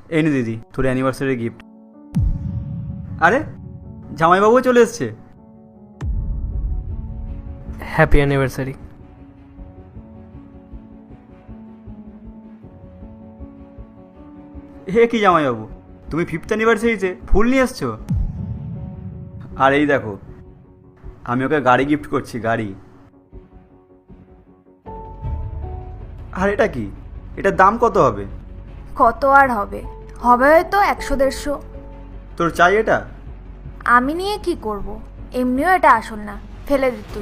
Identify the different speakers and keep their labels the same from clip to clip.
Speaker 1: এই নে দিদি, তোর অ্যানিভার্সারি গিফট। আরে জামাইবাবুও চলে এসছে।
Speaker 2: Happy anniversary.
Speaker 1: হে কি জামাইবাবু, তুমি 5th অ্যানিভার্সারিতে ফুল নিয়ে এসছো? আর এই দেখো, আমি ওকে গাড়ি গিফট করছি, গাড়ি। আর এটা কি? এটার দাম কত হবে?
Speaker 3: কত আর হবে, হবে হয়তো 100-150।
Speaker 1: তোর চাই এটা?
Speaker 3: আমি নিয়ে কি করব? এমনিও এটা আসল না, ফেলে দে তুই।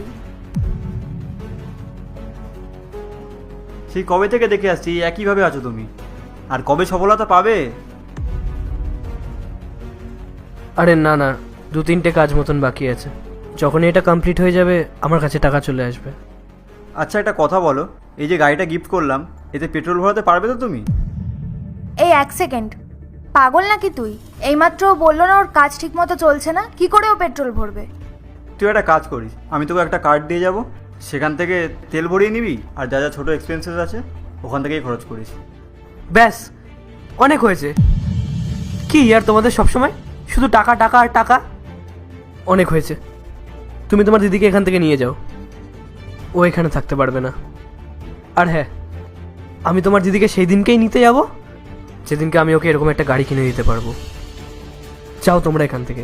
Speaker 1: সেই কবে থেকে দেখে আসছি একইভাবে আছো তুমি, আর কবে সফলতা পাবে?
Speaker 2: আরে না না, 2-3টে কাজ মতন বাকি আছে। যখনই এটা কমপ্লিট হয়ে যাবে আমার কাছে টাকা চলে আসবে।
Speaker 1: আচ্ছা একটা কথা বলো, এই যে গাড়িটা গিফট করলাম, এতে পেট্রোল ভরাতে পারবে তো তুমি?
Speaker 3: এই 1 সেকেন্ড, পাগল নাকি তুই? এইমাত্র বললো না ওর কাজ ঠিক মতো চলছে না, কি করে ও পেট্রোল ভরবে?
Speaker 1: তুই একটা কাজ করিস, আমি তোকে একটা কার্ড দিয়ে যাব, সেখান থেকে তেল ভরিয়ে নিবি, আর যা যা ছোটো এক্সপেন্সেস আছে ওখান থেকেই খরচ করিস।
Speaker 2: ব্যাস, অনেক হয়েছে। কি আর তোমাদের সবসময় শুধু টাকা টাকা আর টাকা। অনেক হয়েছে, তুমি তোমার দিদিকে এখান থেকে নিয়ে যাও, ও এখানে থাকতে পারবে না। আর হ্যাঁ, আমি তোমার দিদিকে সেই দিনকেই নিতে যাব যেদিনকে আমি ওকে এরকম একটা গাড়ি কিনে দিতে পারবো। যাও তোমরা এখান থেকে।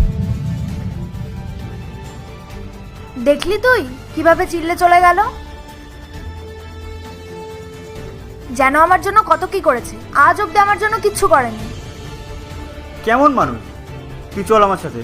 Speaker 3: দেখলি তুই কিভাবে চিল্লে চলে গেল? যেন আমার জন্য কত কি করেছে, আজ অব্দি আমার জন্য কিচ্ছু করেনি।
Speaker 1: কেমন মানুষ তুই, চল আমার সাথে।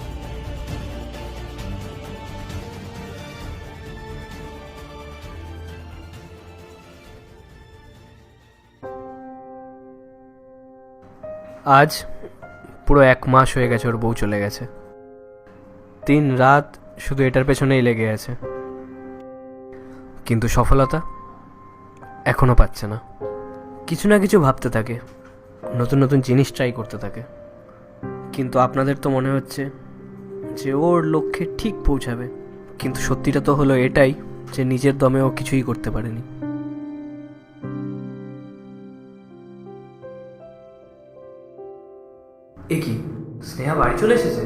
Speaker 2: আজ পুরো 1 মাস হয়ে গেছে ওর বউ চলে গেছে। 3 রাত শুধু এটার পেছনেই লেগে আছে, কিন্তু সফলতা এখনো পাচ্ছে না। কিছু না কিছু ভাবতে থাকে, নতুন নতুন জিনিস ট্রাই করতে থাকে, কিন্তু আপনাদের তো মনে হচ্ছে যে ওর লক্ষ্যে ঠিক পৌঁছাবে, কিন্তু সত্যিটা তো হলো এটাই যে নিজের দমে ও কিছুই করতে পারেনি। এ কি, স্নেহা বাড়ি চলে এসেছে?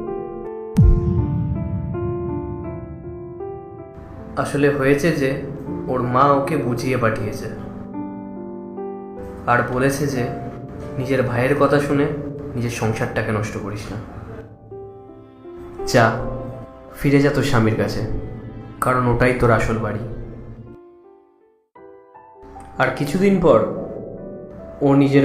Speaker 2: আসলে হয়েছে যে ওর মা ওকে বুঝিয়ে পাঠিয়েছে, আর বলেছে যে নিজের ভাইয়ের কথা শুনে নিজের সংসারটাকে নষ্ট করিস না। যা, ফিরে যা তোর স্বামীর কাছে, কারণ ওটাই তোর আসল বাড়ি। আর কিছুদিন পর ও নিজের